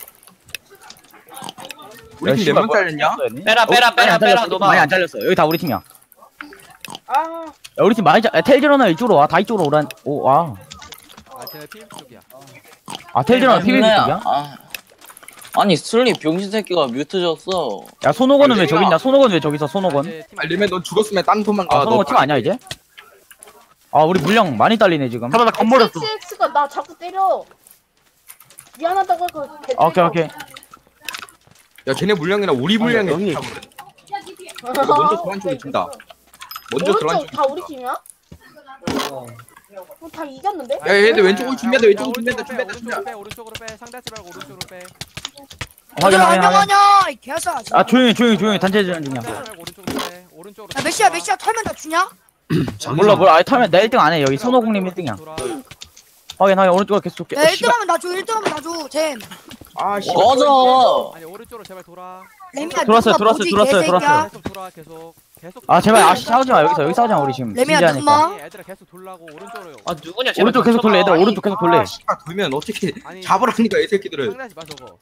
[SPEAKER 5] 우리 팀 몇 명 잘렸냐?
[SPEAKER 7] 빼라 빼라 빼라 빼라
[SPEAKER 6] 많이
[SPEAKER 7] 노바
[SPEAKER 6] 안 잘렸어. 여기 다 우리 팀이야.
[SPEAKER 8] 아
[SPEAKER 6] 야, 우리 팀 많이 잘. 야, 텔즈러너 이쪽으로 와. 다 이쪽으로 오란. 오 와.
[SPEAKER 1] 아 쟤네 피임 쪽이야.
[SPEAKER 6] 아 텔즈러너
[SPEAKER 2] 아,
[SPEAKER 6] 피비비
[SPEAKER 2] 힘내야.
[SPEAKER 6] 쪽이야?
[SPEAKER 2] 아. 아니 슬리 병신 새끼가 뮤트 졌어.
[SPEAKER 6] 야 손오건은 왜
[SPEAKER 5] 야,
[SPEAKER 6] 저기 있냐? 손오건 왜 저기 있어? 손오건.
[SPEAKER 1] 이제 팀
[SPEAKER 5] 아 레메 넌 죽었으면 딴 도망가.
[SPEAKER 6] 아 손오건 팀 아니야 이제? 아 우리 물량 많이 딸리네 지금.
[SPEAKER 7] 잠깐만 나 건버렸어
[SPEAKER 8] XX가 나 자꾸 때려. 미안하다고 그.
[SPEAKER 6] 아, 오케이 오케이.
[SPEAKER 5] 야 쟤네 물량이랑 우리 물량이
[SPEAKER 6] 여기.
[SPEAKER 5] 비슷하거든. 먼저 도란 쪽이 준다. 먼저 도란
[SPEAKER 8] 오른쪽
[SPEAKER 5] 쪽이
[SPEAKER 8] 다 우리 팀이야? 어, 다 이겼는데?
[SPEAKER 5] 야 얘들 왼쪽으로 준비한다
[SPEAKER 1] 야,
[SPEAKER 5] 왼쪽으로 준비한다
[SPEAKER 1] 오른쪽으로
[SPEAKER 5] 준비한다
[SPEAKER 1] 빼,
[SPEAKER 5] 준비한다.
[SPEAKER 1] 오른쪽으로 빼 오른쪽으로 빼 상대하지 말고 오른쪽으로 빼.
[SPEAKER 6] 확인 확인 확인.
[SPEAKER 10] 이 개사.
[SPEAKER 6] 아 조용히 조용히 조용히 단체 전환 중이야.
[SPEAKER 1] 상대하지 말고 오른쪽으로 빼. 오른쪽으로.
[SPEAKER 10] 야 메시야 메시야 털면 다 주냐?
[SPEAKER 6] 몰라 몰라. 아니 타면 나 일 등 안 해. 여기 손오공님 일 등이야.
[SPEAKER 1] 돌아.
[SPEAKER 6] 확인 확인 오른쪽으로 계속 쏠게.
[SPEAKER 10] 야
[SPEAKER 6] 어,
[SPEAKER 10] 일 등
[SPEAKER 6] 씨발.
[SPEAKER 10] 하면 나 줘. 일 등 하면 나 줘. 잼.
[SPEAKER 5] 아씨.
[SPEAKER 2] 꺼져.
[SPEAKER 1] 아니 오른쪽으로 제발 돌아.
[SPEAKER 10] 레미야
[SPEAKER 6] 들어왔어요,
[SPEAKER 10] 누가
[SPEAKER 6] 들어왔어요,
[SPEAKER 10] 뭐지,
[SPEAKER 6] 들어왔어요,
[SPEAKER 10] 개새끼야?
[SPEAKER 6] 들어왔어요.
[SPEAKER 1] 계속 돌아 계속 계속.
[SPEAKER 6] 아 제발 아 싸우지 마 여기서 여기 싸우지 마 우리 지금
[SPEAKER 10] 레미야,
[SPEAKER 6] 진지하니까.
[SPEAKER 10] 누구마?
[SPEAKER 1] 아니, 애들아 계속 돌라고 오른쪽으로.
[SPEAKER 7] 아 누구냐 제발
[SPEAKER 6] 오른쪽 계속 돌래 얘들아
[SPEAKER 7] 닥쳐봐.
[SPEAKER 6] 오른쪽 계속 돌래.
[SPEAKER 5] 아 씨발 돌면 어떻게
[SPEAKER 1] 아니
[SPEAKER 5] 잡으라니까 이 새끼들을.
[SPEAKER 1] 상대하지 마 저거.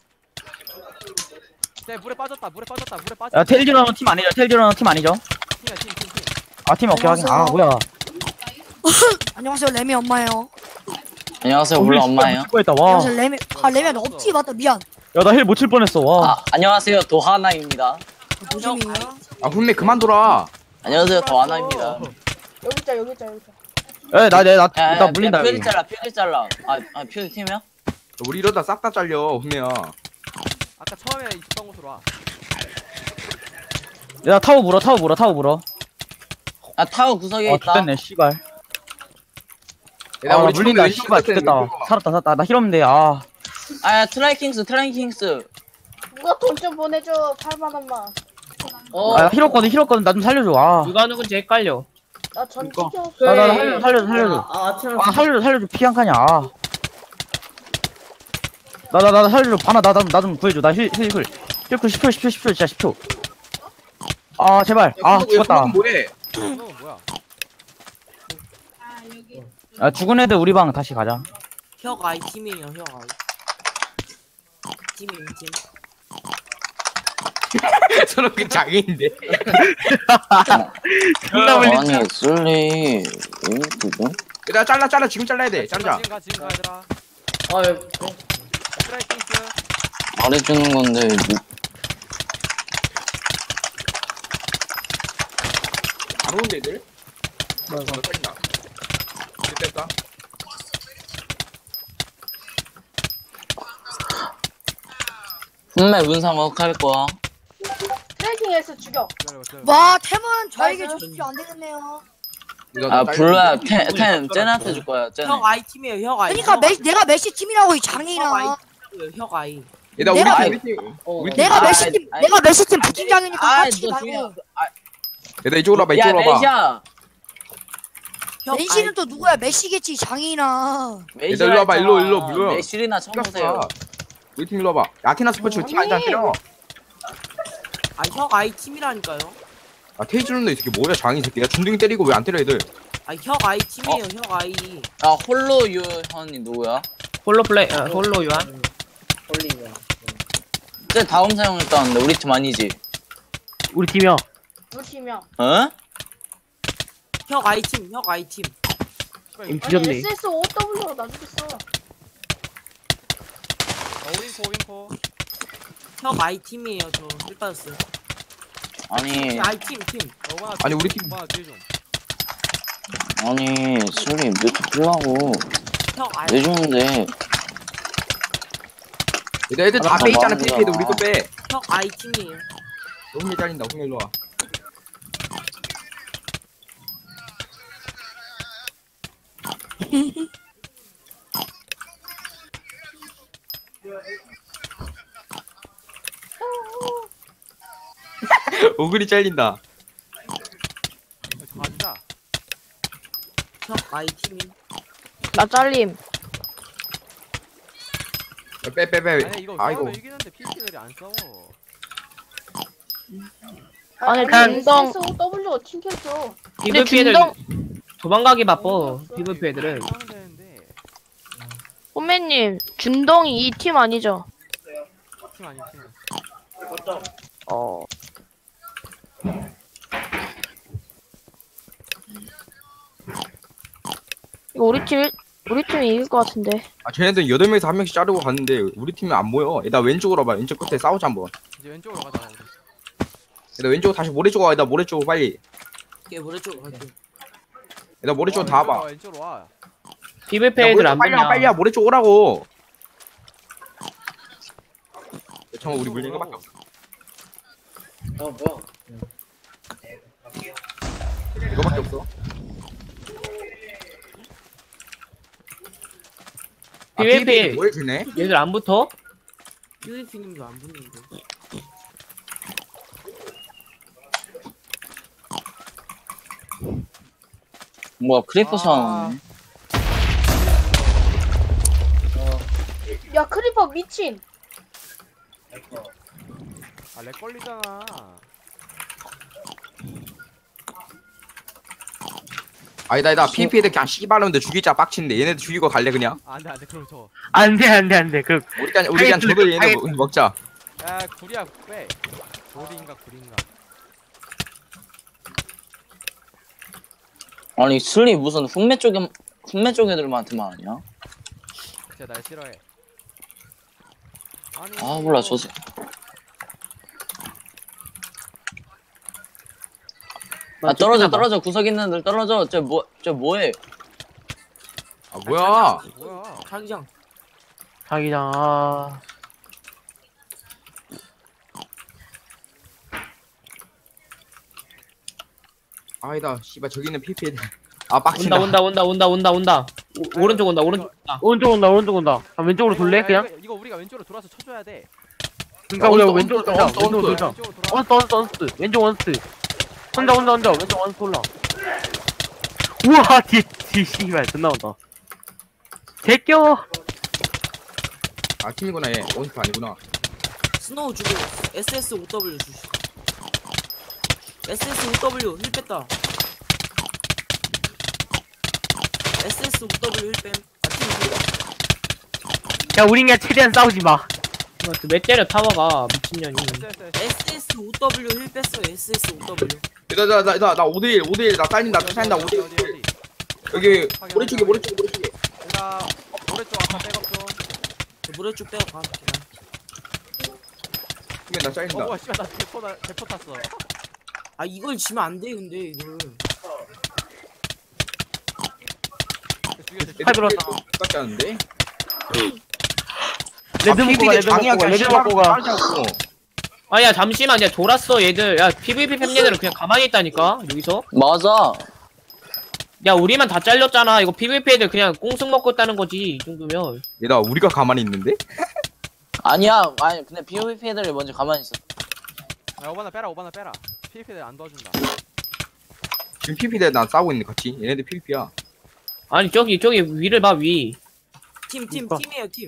[SPEAKER 1] 쟤 물에 빠졌다 물에 빠졌다 물에 빠졌다.
[SPEAKER 6] 야 텔즈러너 팀 아니죠? 텔즈러너 팀 아니죠?
[SPEAKER 1] 팀이야 팀 팀 팀.
[SPEAKER 6] 아 팀 오케이 확인. 아 뭐야?
[SPEAKER 10] 안녕하세요 레미 엄마예요.
[SPEAKER 2] 안녕하세요 몰라 엄마예요.
[SPEAKER 6] 했다 와.
[SPEAKER 10] 안녕하세요 레미. 아 레미야 너 없지 맞다 미안.
[SPEAKER 6] 야 나 힐 못 칠 뻔했어 와.
[SPEAKER 2] 아 안녕하세요 도하나입니다.
[SPEAKER 10] 조심히.
[SPEAKER 5] 아 훈매 그만 돌아.
[SPEAKER 2] 안녕하세요 도하나입니다.
[SPEAKER 8] 여기 있자 여기 있자 여기 있자.
[SPEAKER 6] 에나내나 나,
[SPEAKER 2] 야,
[SPEAKER 6] 나
[SPEAKER 2] 야,
[SPEAKER 6] 물린다
[SPEAKER 2] 퓨리
[SPEAKER 6] 여기.
[SPEAKER 2] 잘라 퓨리 잘라. 아아 퓨리 팀이야?
[SPEAKER 5] 우리 이러다 싹 다 잘려 훈매야.
[SPEAKER 1] 아까 처음에 있었던 곳으로 와.
[SPEAKER 6] 야 타워 물어 타워 물어 타워 물어.
[SPEAKER 2] 아 타워 구석에
[SPEAKER 6] 아
[SPEAKER 2] 있다.
[SPEAKER 6] 죽겠네 씨발.
[SPEAKER 5] 야,
[SPEAKER 6] 아
[SPEAKER 5] 우리
[SPEAKER 6] 물린다
[SPEAKER 5] 처음에
[SPEAKER 6] 씨발
[SPEAKER 5] 왼쪽
[SPEAKER 6] 죽겠다.
[SPEAKER 5] 끝에
[SPEAKER 6] 살았다 살았다 나 힐 없는데 아.
[SPEAKER 2] 아 트라이킹스 트라이킹스.
[SPEAKER 8] 누가 돈 좀 보내줘 팔만 원만.
[SPEAKER 2] 어.
[SPEAKER 6] 아 힐 없거든 힐 없거든 나 좀 살려줘 아.
[SPEAKER 7] 누가 누군지 헷갈려
[SPEAKER 8] 나 전투기 없어.
[SPEAKER 6] 나 나 살려줘 살려줘 살려줘.
[SPEAKER 4] 아 티랑
[SPEAKER 6] 아 살려줘 살려줘 피 한 칸이야 아. 나 나 나 살려줘 바나 나 나 좀 구해줘 나 힐 힐 힐 힐 십 초 십 초 십 초 진짜 십 초. 아 제발 아 죽었다.
[SPEAKER 5] 뭐해?
[SPEAKER 1] 너는 뭐야?
[SPEAKER 6] 아 죽은 애들 우리 방 다시 가자.
[SPEAKER 9] 혁 아이 팀이에요 혁 아이. 팀임 팀.
[SPEAKER 5] 저런 그 장애인데.
[SPEAKER 2] 아니 슬리 누구?
[SPEAKER 5] 얘들아 잘라 잘라 지금 잘라야 돼. 자르자.
[SPEAKER 1] 지금 가 지금 가 얘들아.
[SPEAKER 4] 아 예.
[SPEAKER 1] 스트라이킹스.
[SPEAKER 2] 말해주는 건데 누-
[SPEAKER 5] 안 오는데 애들? 뭐야 너 살린다. 이제 뺐다.
[SPEAKER 2] 분명 문상 어할 거야.
[SPEAKER 8] 트래킹에서 죽여.
[SPEAKER 1] 기다려봐 기다려봐.
[SPEAKER 10] 와 템은 저에게
[SPEAKER 8] 나이스.
[SPEAKER 10] 주십시오 안 되겠네요.
[SPEAKER 5] 이거
[SPEAKER 2] 아
[SPEAKER 5] 나
[SPEAKER 2] 블루야
[SPEAKER 5] 딸린다.
[SPEAKER 2] 텐, 텐 쟤한테 줄 거야 쟤네.
[SPEAKER 9] 혁 아이 팀이에요 혁 아이.
[SPEAKER 10] 그러니까 메 내가 메시 팀이라고 이
[SPEAKER 9] 혁 아이
[SPEAKER 10] 장이나.
[SPEAKER 9] 팀이에요 혁 아이.
[SPEAKER 5] 얘들아 우리
[SPEAKER 10] 내가-
[SPEAKER 5] 팀, 우리 팀 우리 팀.
[SPEAKER 10] 내가
[SPEAKER 2] 아,
[SPEAKER 10] 메시 팀
[SPEAKER 2] 아니,
[SPEAKER 10] 내가 메시 팀 부팀장이니까
[SPEAKER 2] 아,
[SPEAKER 10] 빡치지
[SPEAKER 2] 너
[SPEAKER 10] 말고.
[SPEAKER 2] 중요한 아,
[SPEAKER 5] 얘들아 이쪽으로 와봐
[SPEAKER 2] 야
[SPEAKER 5] 이쪽으로 와봐.
[SPEAKER 2] 메시야.
[SPEAKER 9] 혁
[SPEAKER 10] 메시는
[SPEAKER 9] 아이.
[SPEAKER 10] 또 누구야 메시겠지 장이나.
[SPEAKER 2] 메시야
[SPEAKER 5] 얘들아, 일로 와봐, 일로,
[SPEAKER 2] 했잖아.
[SPEAKER 5] 일로, 일로.
[SPEAKER 2] 메시리나 쳐보세요.
[SPEAKER 5] 우리 팀 일로 와봐. 아키나 스포츠 팀 아니다 때려.
[SPEAKER 9] 아혁 아이 팀이라니까요.
[SPEAKER 5] 아 테이즈는데 이 새끼 뭐야 장이 새끼. 야 준둥이 때리고 왜 안 때려 애들?
[SPEAKER 9] 아 혁 아이 팀이에요 혁 아이.
[SPEAKER 2] 아 홀로 유현이 누구야?
[SPEAKER 7] 홀로 플레이 어, 홀로 유한.
[SPEAKER 4] 홀리가.
[SPEAKER 2] 쟤 다음 사용했다는데 우리 팀 아니지?
[SPEAKER 6] 우리 팀이야.
[SPEAKER 8] 우리 팀이야.
[SPEAKER 2] 어?
[SPEAKER 9] 혁 아이 팀혁 아이 팀.
[SPEAKER 6] 임
[SPEAKER 8] 아니
[SPEAKER 6] 뒤졌네.
[SPEAKER 8] 에스에스오더블유가 나 죽였어.
[SPEAKER 1] 어, 윈포 윈포.
[SPEAKER 9] 혁 아이 팀이에요 저 일 받았어요.
[SPEAKER 2] 아니
[SPEAKER 9] 아이 팀 팀.
[SPEAKER 1] 어, 오바나
[SPEAKER 5] 아니,
[SPEAKER 1] 뒤에
[SPEAKER 5] 우리
[SPEAKER 1] 좀,
[SPEAKER 5] 팀-
[SPEAKER 1] 오바나 뒤에 좀.
[SPEAKER 2] 아니 술이 뮤트 풀라고
[SPEAKER 9] 혁 아이.
[SPEAKER 2] 왜 주는데?
[SPEAKER 5] 얘들 애들 다
[SPEAKER 2] 아,
[SPEAKER 5] 빼있잖아.
[SPEAKER 2] 맞아.
[SPEAKER 5] 피피도 우리 거 빼.
[SPEAKER 9] 혁 아이 팀이에요.
[SPEAKER 5] 홍일 잘린다. 홍일 일로 와. 오글이 잘린다.
[SPEAKER 1] 어, 가자.
[SPEAKER 9] 혁 아이 팀이.
[SPEAKER 8] 나 잘림.
[SPEAKER 5] 빼 빼 빼.
[SPEAKER 1] 아니 이거
[SPEAKER 5] 아이고.
[SPEAKER 1] 싸우면 이기는데 피피들이 안 싸워.
[SPEAKER 8] 아니
[SPEAKER 7] 그냥-
[SPEAKER 8] 에스에스오더블유가 튕겼어.
[SPEAKER 7] 피브이피 애들 도망가기 바빠. 피브이피 애들은.
[SPEAKER 1] 싸우면 되는데
[SPEAKER 8] 호매님 준동이 이 팀 아니죠?
[SPEAKER 1] 팀 아니 팀.
[SPEAKER 8] 어. 이거 우리 팀 우리 팀이 이길 것 같은데.
[SPEAKER 5] 아 쟤네들 여덟 명에서 한 명씩 자르고 갔는데 우리 팀이 안 보여. 얘들아 왼쪽으로 와봐. 왼쪽 끝에 싸우자 한번.
[SPEAKER 1] 이제 왼쪽으로 가자. 우리.
[SPEAKER 5] 얘들아 왼쪽 다시 모래 쪽으로 와. 얘들아 모래 쪽으로 빨리.
[SPEAKER 9] 걔 모래 쪽으로 갈게.
[SPEAKER 5] 얘들아 모래 쪽으로
[SPEAKER 1] 어,
[SPEAKER 5] 다
[SPEAKER 1] 왼쪽으로
[SPEAKER 5] 와봐.
[SPEAKER 1] 와, 왼쪽으로 와.
[SPEAKER 7] 피브이피
[SPEAKER 5] 야, 모래
[SPEAKER 7] 애들
[SPEAKER 5] 쪽
[SPEAKER 7] 안
[SPEAKER 5] 빨리 와
[SPEAKER 7] 보냐.
[SPEAKER 5] 빨리 와. 모래 쪽 오라고. 정말 우리 물린 거밖에 없어.
[SPEAKER 4] 어 뭐야?
[SPEAKER 5] 이거밖에 없어. 아,
[SPEAKER 7] 피브이피.
[SPEAKER 5] 피브이피 뭘 주네?
[SPEAKER 7] 얘들 안 붙어?
[SPEAKER 9] 피브이피님도 안 붙는데.
[SPEAKER 2] 뭐야 크리퍼
[SPEAKER 1] 아.
[SPEAKER 2] 사용.
[SPEAKER 8] 야 크리퍼 미친.
[SPEAKER 1] 아렉 걸리잖아.
[SPEAKER 5] 아니다 아니다. 피브이피 애들 그냥 씨발놈들 죽이자 빡친데 얘네들 죽이고 갈래 그냥.
[SPEAKER 1] 안돼 안돼 그럼 저.
[SPEAKER 6] 안돼 안돼 안돼. 그
[SPEAKER 5] 우리 그냥 우리 그냥 저도 얘네 먹- 먹자.
[SPEAKER 1] 야 구리야 빼. 조리인가 구리인가.
[SPEAKER 2] 아니 술이 무슨 흑매 쪽에 흑매 쪽 애들한테만 하냐?
[SPEAKER 1] 진짜 날 싫어해. 아니.
[SPEAKER 2] 아 몰라 저 새- 아 떨어져 떨어져 구석 있는 애들 떨어져. 저 뭐 저 뭐해?
[SPEAKER 5] 아 뭐야?
[SPEAKER 1] 뭐야?
[SPEAKER 9] 자기장.
[SPEAKER 6] 자기장. 아.
[SPEAKER 5] 아니다. 씨발 저기 있는 피브이피 애들. 아 빡친다.
[SPEAKER 7] 온다 온다 온다 온다 온다 온다. 오, 오른쪽 온다 오른쪽 온다.
[SPEAKER 6] 오른쪽 온다 오른쪽 온다. 아, 왼쪽으로
[SPEAKER 1] 이거,
[SPEAKER 6] 돌래
[SPEAKER 1] 야,
[SPEAKER 6] 그냥?
[SPEAKER 1] 이거, 이거 우리가 왼쪽으로 돌아서 쳐줘야 돼.
[SPEAKER 6] 그러니까
[SPEAKER 5] 야,
[SPEAKER 6] 우리가
[SPEAKER 5] 언스,
[SPEAKER 6] 왼쪽으로
[SPEAKER 5] 언스,
[SPEAKER 6] 돌자.
[SPEAKER 5] 언스,
[SPEAKER 6] 왼쪽으로
[SPEAKER 5] 언스.
[SPEAKER 6] 돌자.
[SPEAKER 1] 왼쪽으로 돌아.
[SPEAKER 6] 원스 원스 원스. 왼쪽 원스. 혼자 혼자 혼자 왼쪽 원스 올라. 우와 뒤뒤 씨발 존나 온다. 제껴.
[SPEAKER 5] 아 팀이구나 얘. 원스트 아니구나.
[SPEAKER 9] 스노우 주고 에스에스오더블유 주시. 에스에스오더블유 힐 뺐다. 에스에스오더블유 힐 뺨. 아 팀 이겨.
[SPEAKER 6] 야 우린 그냥 최대한 싸우지 마.
[SPEAKER 7] 왜 때려 타워가 미친년이.
[SPEAKER 9] 에스에스오더블유 힐 뺐어요. 에스에스오더블유.
[SPEAKER 5] 나나나나 오 대 일 오 대 일 나 딸린다 딸린다 오 대 일.
[SPEAKER 1] 어디 어디.
[SPEAKER 5] 여기 모래 쪽에 모래 쪽에 모래 쪽에.
[SPEAKER 1] 내가 모래 쪽 아까 백업 좀.
[SPEAKER 9] 저 모래 쭉 빼고 가.
[SPEAKER 5] 그러면 나 잘린다.
[SPEAKER 1] 어 뭐야 씨발 나 대포 나 대포 탔어.
[SPEAKER 9] 아 이걸 지면 안 돼 근데 이걸.
[SPEAKER 1] 죽여 죽여.
[SPEAKER 6] 팔 들어왔다.
[SPEAKER 5] 똑같지 않은데?
[SPEAKER 6] 레드 먹고 가 레드 먹고 가 레드 먹고 가.
[SPEAKER 7] 아야 잠시만 야 돌았어 얘들. 야 피브이피 팬얘들은 그냥 가만히 있다니까 여기서.
[SPEAKER 2] 맞아.
[SPEAKER 7] 야 우리만 다 잘렸잖아. 이거 피브이피 애들 그냥 꽁승 먹고 있다는 거지 이 정도면.
[SPEAKER 5] 얘들아 우리가 가만히 있는데?
[SPEAKER 2] 아니야 아니 근데 피브이피 애들이 먼저 가만히 있어.
[SPEAKER 1] 야 오바나 빼라 오바나 빼라. 피피들 안 도와준다.
[SPEAKER 5] 지금 피브이피 애들 난 싸우고 있는 같이. 얘네들 피브이피야.
[SPEAKER 7] 아니 저기 저기 위를 봐 위.
[SPEAKER 9] 팀 팀
[SPEAKER 6] 그러니까.
[SPEAKER 9] 팀이에요 팀.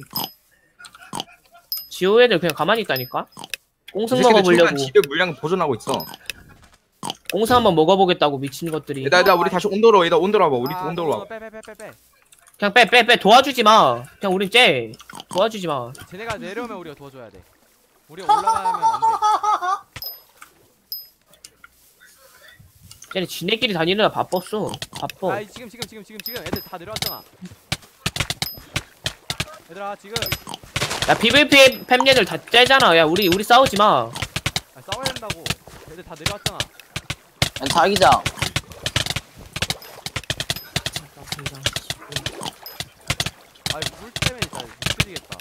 [SPEAKER 7] 지호 애들 그냥 가만히 있다니까. 꽁승
[SPEAKER 5] 이 새끼들
[SPEAKER 7] 먹어보려고.
[SPEAKER 5] 최대한 집에 물량 보존하고 있어.
[SPEAKER 7] 옹사 한번 먹어보겠다고 미친 것들이.
[SPEAKER 5] 얘들아 얘들아 우리 다시 온도로 얘들아 온도로 와봐 우리 온도로 와봐.
[SPEAKER 1] 빼빼빼빼빼.
[SPEAKER 7] 그냥 빼 빼 빼 도와주지 마. 그냥 우리 쟤 도와주지 마.
[SPEAKER 1] 쟤네가 내려오면 우리가 도와줘야 돼. 우리가 올라가면 안 돼.
[SPEAKER 7] 쟤네 지네끼리 다니느라 바빴어. 바빠.
[SPEAKER 1] 아 지금 지금 지금 지금 지금 애들 다 내려왔잖아. 얘들아 지금.
[SPEAKER 7] 야 피브이피 팸얘들 다 째잖아. 야 우리 우리 싸우지 마.
[SPEAKER 1] 아, 싸워야 된다고. 애들 다 내려왔잖아.
[SPEAKER 2] 자기장.
[SPEAKER 1] 아물 때문에 진짜 미치겠다.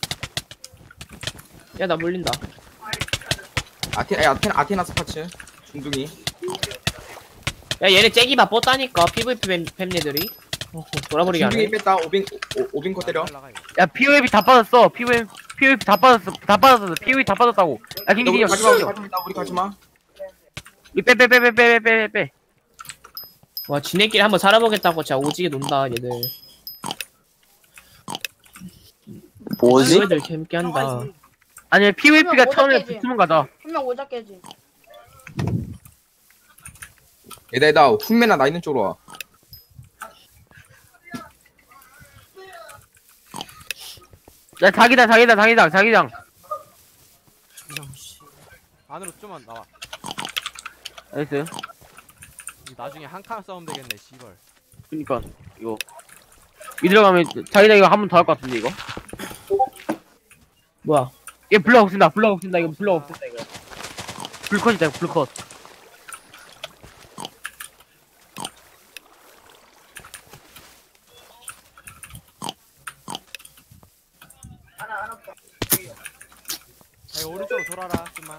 [SPEAKER 7] 야 나 물린다.
[SPEAKER 5] 아테 야, 아테 아테나 스파츠 중둥이.
[SPEAKER 7] 야 얘네 째기 바빴다니까 피브이피 팸, 팸얘들이. 어, 돌아버리게
[SPEAKER 5] 중둥이
[SPEAKER 7] 하네.
[SPEAKER 5] 뺐다 오빙 오, 오빙 거 때려.
[SPEAKER 1] 올라가, 이거.
[SPEAKER 6] 야 피오에비 다 빠졌어. 피오에비 피오에비 다 빠졌어. 다 빠졌어. 피오에비 다 빠졌다고. 야
[SPEAKER 5] 너
[SPEAKER 6] 킹기
[SPEAKER 5] 우리 가지마 우리
[SPEAKER 6] 형.
[SPEAKER 5] 가지마 우리 가지마.
[SPEAKER 6] 빼빼빼빼빼빼빼.
[SPEAKER 7] 와 지네끼리 한번 살아보겠다고 진짜 오지게 논다 얘들.
[SPEAKER 2] 뭐지?
[SPEAKER 7] 애들 재밌게 한다.
[SPEAKER 6] 아니 피오에비가
[SPEAKER 8] 그러면
[SPEAKER 6] 처음에
[SPEAKER 8] 오작깨지.
[SPEAKER 6] 붙으면 가자.
[SPEAKER 8] 한 명 오자 깨지.
[SPEAKER 5] 얘들아 얘들아 훈매나 나 있는 쪽으로 와.
[SPEAKER 6] 야 자기장 자기장 자기장 자기장.
[SPEAKER 1] 안으로 좀만 나와.
[SPEAKER 6] 나이스.
[SPEAKER 1] 이 나중에 한 칸 싸우면 되겠네. 씨발.
[SPEAKER 6] 그니까 이거 이 들어가면 자기장 이거 한 번 더 할 것 같은데 이거.
[SPEAKER 7] 뭐야?
[SPEAKER 6] 얘 블럭 없앤다. 블럭 없앤다. 이거 블럭 없앤다 이거. 불컷이다 이거 불컷.
[SPEAKER 1] 야, 이거 오른쪽으로 돌아라. 좀만.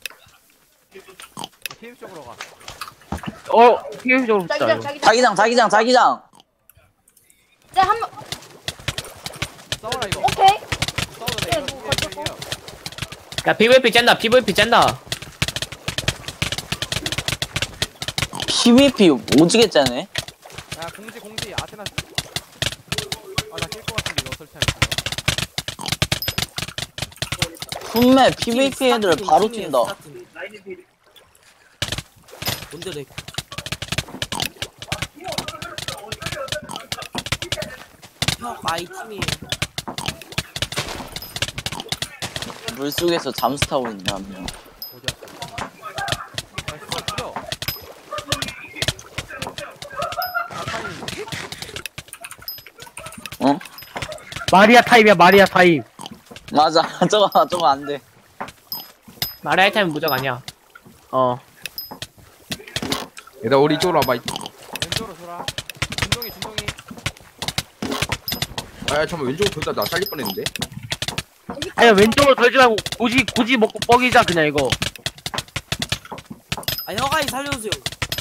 [SPEAKER 1] 팀 쪽으로 가.
[SPEAKER 6] 어 피오에비적으로 붙자
[SPEAKER 8] 자기장
[SPEAKER 6] 이거.
[SPEAKER 8] 자기장.
[SPEAKER 2] 자기장 자기장 자기장.
[SPEAKER 8] 자 한 명.
[SPEAKER 1] 싸워라 이거.
[SPEAKER 8] 오케이.
[SPEAKER 1] 싸워도 돼.
[SPEAKER 8] 예,
[SPEAKER 1] 이거
[SPEAKER 8] 뭐
[SPEAKER 1] 이겨,
[SPEAKER 8] 거쳤고.
[SPEAKER 1] 이겨, 이겨.
[SPEAKER 7] 야 피브이피 짠다. 피브이피 짠다.
[SPEAKER 2] 피브이피 오지게 짜네.
[SPEAKER 1] 야 공지 공지 아테나. 아나 깰 것 같은데 이거 설치하면.
[SPEAKER 2] 훈매 피브이피 애들 바로 뛴다.
[SPEAKER 9] 뭔데 렉? 형 마이 팀이에요.
[SPEAKER 2] 물속에서 잠수 타고 있는 한 명.
[SPEAKER 1] 어디야? 야 죽여 죽여. 아타니.
[SPEAKER 2] 어?
[SPEAKER 6] 마리아 타입이야 마리아 타입.
[SPEAKER 2] 맞아. 저거 저거 안 돼.
[SPEAKER 7] 마라이 타임 무적 아니야.
[SPEAKER 6] 어.
[SPEAKER 5] 얘들아 우리 이쪽으로 와봐.
[SPEAKER 1] 왼쪽으로 돌아. 준동이 준동이.
[SPEAKER 5] 아 잠깐만 왼쪽으로 돌다 나 살릴 뻔했는데.
[SPEAKER 6] 아니 왼쪽으로 돌지 말고 고지 고지 먹고 뻑이자 그냥 이거.
[SPEAKER 9] 아 혀가이 살려주세요.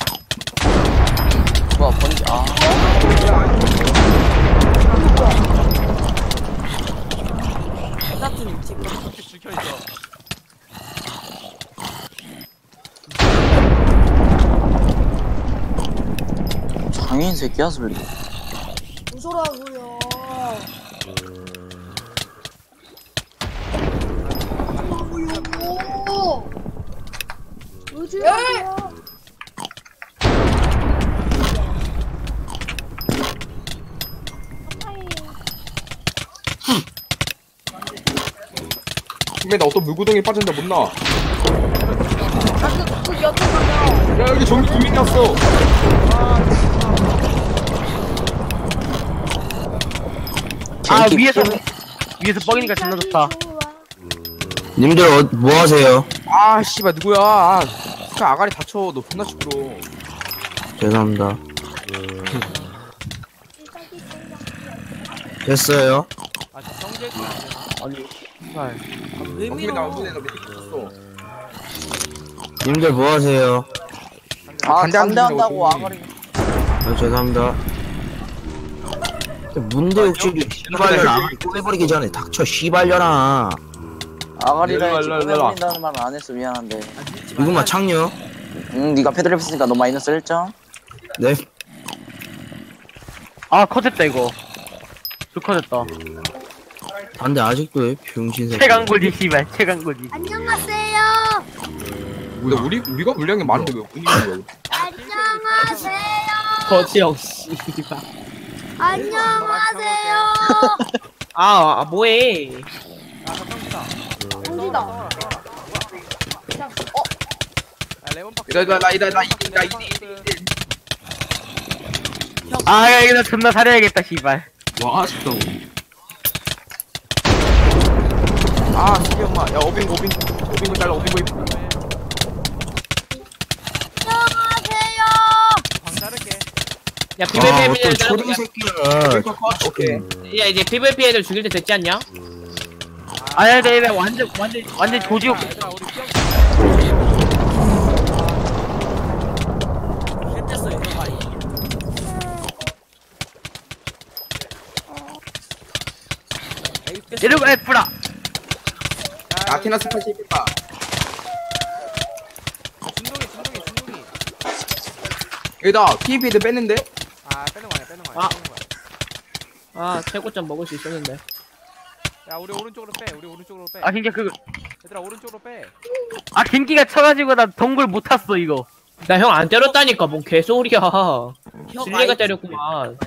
[SPEAKER 2] 뭐야 번지. 아.
[SPEAKER 9] 똑같은 팀.
[SPEAKER 1] 이렇게 죽여 있어.
[SPEAKER 2] 장애인 새끼야 소리.
[SPEAKER 10] 무서라고요. 오. 요즘.
[SPEAKER 5] 훈매 나 어떤 물구덩이에 빠진다 못 나와.
[SPEAKER 8] 아그 그 옆에 가면.
[SPEAKER 5] 야 여기 전기 두 명이 왔어.
[SPEAKER 6] 아
[SPEAKER 2] 갱키
[SPEAKER 6] 위에서
[SPEAKER 2] 피브-
[SPEAKER 6] 위에서 뻑이니까 존나 좋다.
[SPEAKER 11] 님들 어, 뭐 하세요?
[SPEAKER 5] 아 씨발 누구야? 아, 그 아가리 다쳐. 너 존나 시끄러.
[SPEAKER 11] 죄송합니다. 됐어요.
[SPEAKER 1] 아 저 정지해 주면 안 되나?
[SPEAKER 6] 아니 씨발.
[SPEAKER 9] 왜
[SPEAKER 5] 훈매 나
[SPEAKER 9] 밀어?
[SPEAKER 5] 훈매 나 밑에 붙었어.
[SPEAKER 11] 님들 뭐 하세요?
[SPEAKER 2] 아
[SPEAKER 5] 반대하는
[SPEAKER 2] 반대한다고
[SPEAKER 5] 중이라고,
[SPEAKER 2] 아가리.
[SPEAKER 11] 아, 죄송합니다. 문대 욕심이 씨발년 아가리 꼬매버리기 전에 닥쳐 씨발년아.
[SPEAKER 2] 아가리라 했지
[SPEAKER 5] 일로 와, 일로 와, 일로 와.
[SPEAKER 2] 꺼내버린다는 말은 안 했어. 미안한데.
[SPEAKER 11] 이것만 창녀?
[SPEAKER 2] 응 니가 패드립 했으니까 너 마이너스 일 점.
[SPEAKER 11] 네.
[SPEAKER 6] 아 컷했다 이거. 불컷했다.
[SPEAKER 11] 안돼 아직도 해 병신 새끼.
[SPEAKER 6] 최강골디 씨발 최강골디.
[SPEAKER 10] 안녕하세요.
[SPEAKER 5] 근데 우리 우리가 물량이 많은데 왜 분위기 거야?
[SPEAKER 10] 안녕하세요.
[SPEAKER 7] 거지형 씨발.
[SPEAKER 10] 안녕하세요.
[SPEAKER 7] 아, 아 뭐해?
[SPEAKER 1] 아, 저 평타.
[SPEAKER 8] 공지다.
[SPEAKER 1] 싸워라, 싸워라.
[SPEAKER 8] 그냥 어
[SPEAKER 1] 야, 레몬 박스.
[SPEAKER 5] 이다 이다 나 이다 나 이다 나
[SPEAKER 1] 레몬
[SPEAKER 5] 이다
[SPEAKER 1] 박스.
[SPEAKER 6] 아, 야, 이거 존나 사려야겠다, 씨발.
[SPEAKER 5] 와 아쉽다. 아 수비 엄마. 야 오빙 오빙 오빙 잘라 오빙 오빙.
[SPEAKER 10] 안녕하세요.
[SPEAKER 1] 광 자를게.
[SPEAKER 7] 야
[SPEAKER 11] 아
[SPEAKER 7] 피브이피
[SPEAKER 11] 어떤
[SPEAKER 7] 애들
[SPEAKER 11] 초딩
[SPEAKER 7] 야,
[SPEAKER 11] 새끼야.
[SPEAKER 5] 오케이.
[SPEAKER 7] 야 이제 피브이피 애들 죽일 때 됐지 않냐?
[SPEAKER 6] 아니, 아니, 아니, 완전, 완전, 완전 조지고.
[SPEAKER 1] 얘들아, 우리 피형
[SPEAKER 9] 뺐댔어요 혀가이. 에이 뺐어.
[SPEAKER 6] 내려가, 뿌라.
[SPEAKER 5] 아테나 스파시 있겠다.
[SPEAKER 1] 진동이, 진동이, 진동이.
[SPEAKER 5] 여기다 피비도 뺐는데.
[SPEAKER 1] 아, 빼는 거 아니야, 빼는 거 아니야.
[SPEAKER 7] 아.
[SPEAKER 1] 빼는 거야.
[SPEAKER 7] 아 최고점 먹을 수 있었는데.
[SPEAKER 1] 야, 우리 오른쪽으로 빼. 우리 오른쪽으로 빼.
[SPEAKER 6] 아, 진짜 그,
[SPEAKER 1] 얘들아, 오른쪽으로 빼.
[SPEAKER 6] 아, 갱기가 쳐가지고 나 동굴 못 탔어, 이거.
[SPEAKER 7] 나 형 안 때렸다니까 뭔 개소리야.
[SPEAKER 9] 혀가이.
[SPEAKER 7] 실내가 때렸구만.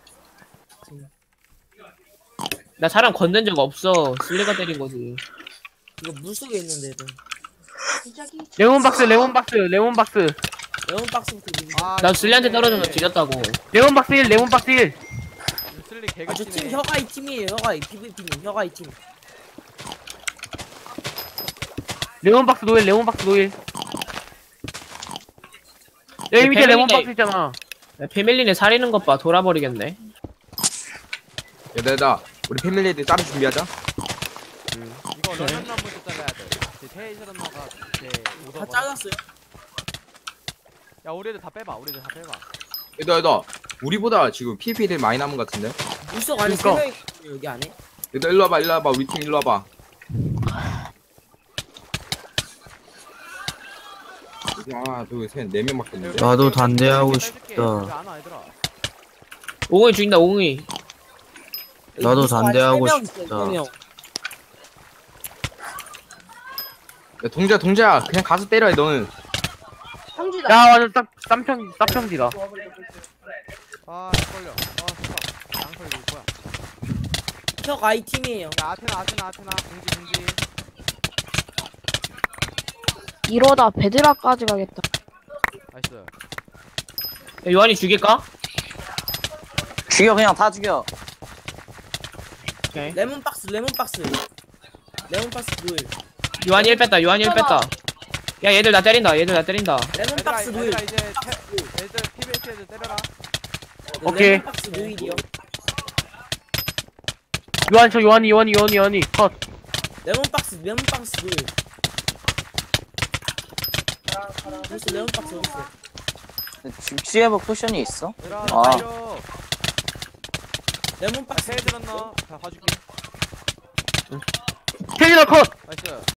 [SPEAKER 7] 나 사람 건든 적 없어. 실내가 때린 거지.
[SPEAKER 9] 이거 물속에 있는데 애들.
[SPEAKER 8] 시작이
[SPEAKER 6] 레몬박스, 레몬박스, 레몬박스.
[SPEAKER 9] 레몬박스부터 밀.
[SPEAKER 1] 아,
[SPEAKER 7] 나 슬리한테 떨어져서 지렸다고.
[SPEAKER 6] 레몬박스 일, 레몬박스 일.
[SPEAKER 1] 슬리
[SPEAKER 9] 아, 저 팀
[SPEAKER 1] 개그치네.
[SPEAKER 9] 혀가이 팀이에요. 혀가이 피브이피님 혀가이 팀.
[SPEAKER 6] 레몬박스 노일, 레몬박스 노일. 여기 밑에
[SPEAKER 7] 패밀리네.
[SPEAKER 6] 레몬박스 있잖아.
[SPEAKER 7] 야, 패밀리네 살리는 것 봐. 돌아버리겠네.
[SPEAKER 5] 얘들아 얘들아, 우리 패밀리들 따로 준비하자.
[SPEAKER 1] 이거 러닝 한번더 잘라야 돼. 제 테이저런너가 제
[SPEAKER 9] 다
[SPEAKER 1] 오더.
[SPEAKER 9] 잘랐어요.
[SPEAKER 1] 야, 우리 애들 다 빼봐. 우리 애들 다 빼봐.
[SPEAKER 5] 얘들아 얘들아, 우리보다 지금 피비들 많이 남은 것 같은데.
[SPEAKER 9] 물속 안에 세
[SPEAKER 6] 그니까.
[SPEAKER 9] 명이 있거든요, 여기 안에.
[SPEAKER 5] 얘들아 일로 와봐 일로 와봐 우리 팀 일로 와봐. 하나 둘셋네 명밖에 없는데.
[SPEAKER 11] 나도 단대하고
[SPEAKER 1] 빼줄게.
[SPEAKER 11] 싶다.
[SPEAKER 1] 여기 안 와, 얘들아.
[SPEAKER 7] 옹이 죽인다 옹이.
[SPEAKER 9] 여기
[SPEAKER 11] 나도
[SPEAKER 9] 물속 안에
[SPEAKER 11] 단대하고
[SPEAKER 9] 세 명
[SPEAKER 11] 싶다.
[SPEAKER 9] 있어요, 세 명.
[SPEAKER 5] 야 동자 동자 그냥 가서 때려 너는.
[SPEAKER 8] 상주다.
[SPEAKER 6] 야, 완전 쌈, 쌈평, 쌈평지다.
[SPEAKER 1] 아, 걸려. 아, 잠깐. 양털 이거 뭐야?
[SPEAKER 9] 혀가이 팀이에요.
[SPEAKER 1] 야, 아테나, 아테나, 아테나. 공지, 공지.
[SPEAKER 10] 이러다 베드락까지 가겠다.
[SPEAKER 1] 나이스.
[SPEAKER 7] 야, 요한이 죽일까?
[SPEAKER 2] 죽여 그냥 다 죽여.
[SPEAKER 7] 오케이.
[SPEAKER 9] 레몬박스 레몬박스. 레몬박스 누일.
[SPEAKER 7] 요한이 일 뺐다. 요한이 일 뺐다. 야 얘들 나 때린다. 얘들 나 때린다.
[SPEAKER 1] 얘들아,
[SPEAKER 9] 레몬박스 누일.
[SPEAKER 1] 얘들아, 이제 태, 애들 피비에스 애들 때려라.
[SPEAKER 6] 오케이.
[SPEAKER 9] 레몬박스 누일이요.
[SPEAKER 6] 요한, 저 요한이, 요한이, 요한이, 요한이. 컷.
[SPEAKER 9] 레몬박스 레몬박스 누일. 벌써 레몬박스 어디 있어?
[SPEAKER 2] 죽지에버 쿠션이 있어?
[SPEAKER 1] 얘들아,
[SPEAKER 2] 아.
[SPEAKER 1] 달려.
[SPEAKER 9] 레몬박스.
[SPEAKER 1] 테이저런너. 자, 봐줄게.
[SPEAKER 6] 테이너 컷!
[SPEAKER 1] 나이스.